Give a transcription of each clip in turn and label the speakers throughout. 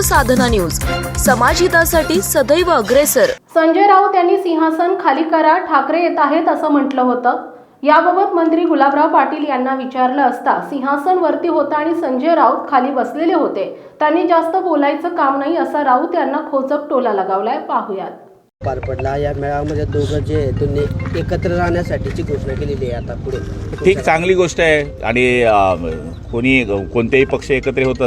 Speaker 1: साधना news, समाजहितासाठी सदैव अग्रेसर।
Speaker 2: संजय राऊत यांनी सिंहासन खाली करा, ठाकरे येत आहेत असं म्हटलं होतं। याबाबत मंत्री गुलाबराव पाटील यांना विचारलं असता सिंहासन वरती होता आणि संजय राऊत खाली बसलेले होते, त्यांनी जास्त बोलायचं काम नाही असा राऊत यांना खोचक टोला लगावलाय। पाहूयात।
Speaker 3: पार पडला या मेळाव्यामध्ये दोघं जे त्यांनी एकत्र राहण्यासाठीची घोषणा केलेली आहे। आता पुढे
Speaker 4: ठीक, चांगली गोष्ट आहे आणि कोणतेही पक्ष एकत्र होत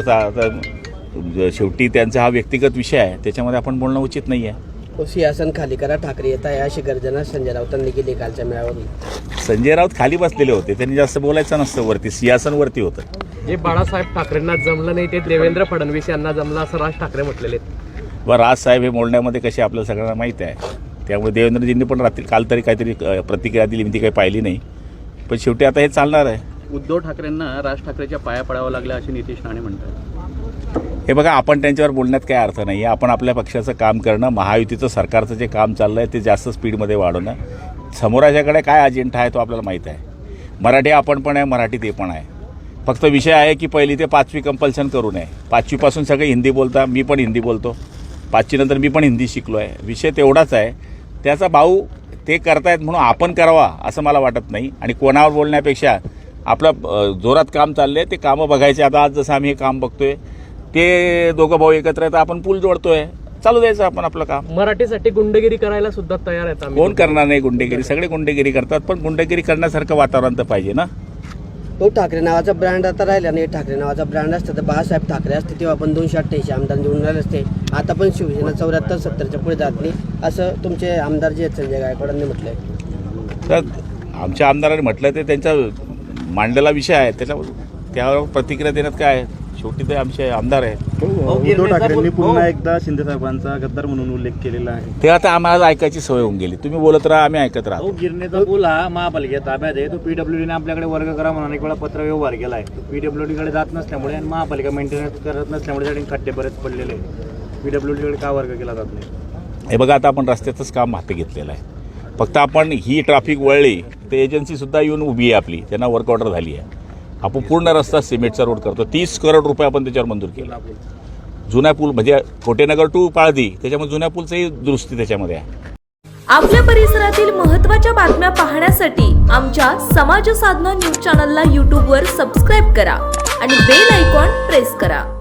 Speaker 4: तर शेवटी त्यांचा हा व्यक्तिगत विषय आहे, त्याच्यामध्ये आपण बोलणं उचित नाही आहे।
Speaker 3: सिंहासन खाली करा, ठाकरे येत आहे अशी गर्जना संजय राऊतांनी केली कालच्या मेळाव्यात।
Speaker 4: संजय राऊत खाली बसलेले होते, त्यांनी जास्त बोलायचं नसतं, वरती सिंहासन वरती होतं।
Speaker 5: जे बाळासाहेब ठाकरेंना जमलं नाही ते देवेंद्र फडणवीस यांना जमलं असं राज ठाकरे म्हटलेले।
Speaker 4: व राजसाहेब हे बोलण्यामध्ये कसे आपल्याला सगळ्यांना माहीत आहे, त्यामुळे देवेंद्रजींनी पण काल तरी काहीतरी प्रतिक्रिया दिली, मी ती काही पाहिली नाही, पण शेवटी आता हे चालणार आहे।
Speaker 6: उद्धव ठाकरेंना राज ठाकरेच्या पाया पडावं लागलं असे नितीश राणे म्हणतात।
Speaker 4: हे बघा, आपण त्यांच्यावर बोलण्यात काय अर्थ नाही आहे। आपण आपल्या पक्षाचं काम करणं, महायुतीचं सरकारचं जे काम चाललं आहे ते जास्त स्पीडमध्ये वाढवणं, समोराच्याकडे काय अजेंडा आहे तो आपल्याला माहीत आहे। मराठी आपण पण आहे, मराठी ते पण आहे। फक्त विषय आहे की पहिली ते 5वी कंपल्शन करू नये। 5वीपासून सगळे हिंदी बोलता, मी पण हिंदी बोलतो, 5वी नंतर मी पण हिंदी शिकलो आहे। विषय तेवढाच आहे, त्याचा भाऊ ते करतायत म्हणून आपण करावा असं मला वाटत नाही। आणि कोणावर बोलण्यापेक्षा आपलं जोरात काम चाललं आहे ते कामं बघायचे। आता आज जसं आम्ही हे काम बघतोय ते दोघं भाऊ एकत्र आहेत, आपण पूल जोडतोय, चालू द्यायचं आपण आपलं काम।
Speaker 5: मराठीसाठी गुंडगिरी करायला सुद्धा तयार आहेत आम्ही।
Speaker 4: कोण करणार नाही गुंडेगिरी? सगळे गुंडेगिरी करतात, पण गुंडेगिरी करण्यासारखं वातावरण तर पाहिजे ना।
Speaker 3: तो ठाकरे नावाचा ब्रँड आता राहिला नाही। ठाकरे नावाचा ब्रँड असतं तर बाळासाहेब ठाकरे असते तेव्हा आपण 288 आमदार निवडून राहिले असते। आता पण शिवसेना 74-70च्या पुढे जात नाही असं तुमचे आमदार जे आहेत संजय गायकवाडांनी म्हटलंय।
Speaker 4: तर आमच्या आमदारांनी म्हटलं ते त्यांचा मांडलेला विषय आहे, त्यावर प्रतिक्रिया देण्यात काय आहे? शेवटी ते आमचे आमदार आहेत।
Speaker 7: उद्धव ठाकरेंनी पुन्हा एकदा शिंदे साहेबांचा गद्दार म्हणून उल्लेख केलेला आहे,
Speaker 4: ते आता आम्हाला ऐकायची सवय होऊन गेली। तुम्ही बोलत राहा, आम्ही ऐकत राहतो।
Speaker 7: गिरणेचा पूल हा महापालिका ताब्यात आहे, तो पीडब्ल्यूडीने आपल्याकडे वर्ग करा म्हणून एक वेळा पत्र व्यवहार केला आहे। पीडब्ल्यूडीकडे जात नसल्यामुळे आणि महापालिका मेंटेनन्स करत नसल्यामुळे त्याने खड्डे बरेच पडलेले आहेत। पीडब्ल्यूडीकडे का वर्ग केला जात नाही?
Speaker 4: हे बघा, आता आपण रस्त्याचंच काम हाती घेतलेलं आहे। फक्त आपण ही ट्रॅफिक वळली तर एजन्सीसुद्धा येऊन उभी आहे आपली, त्यांना वर्क ऑर्डर झाली आहे। आपण पूर्ण रस्ता सिमेंटचा रोड करतो, 30 करोड रुपये आपण त्याच्यावर मंजूर केला। जुन्या पूल म्हणजे कोटेनगर टू पाळदी, त्याच्यामध्ये जुन्या पूलचंही दुरुस्ती त्याच्यामध्ये आहे।
Speaker 1: आपल्या परिसरातील महत्त्वाच्या बातम्या पाहण्यासाठी आमच्या समाज साधना न्यूज चॅनलला YouTube वर सबस्क्राईब करा आणि बेल आयकॉन प्रेस करा।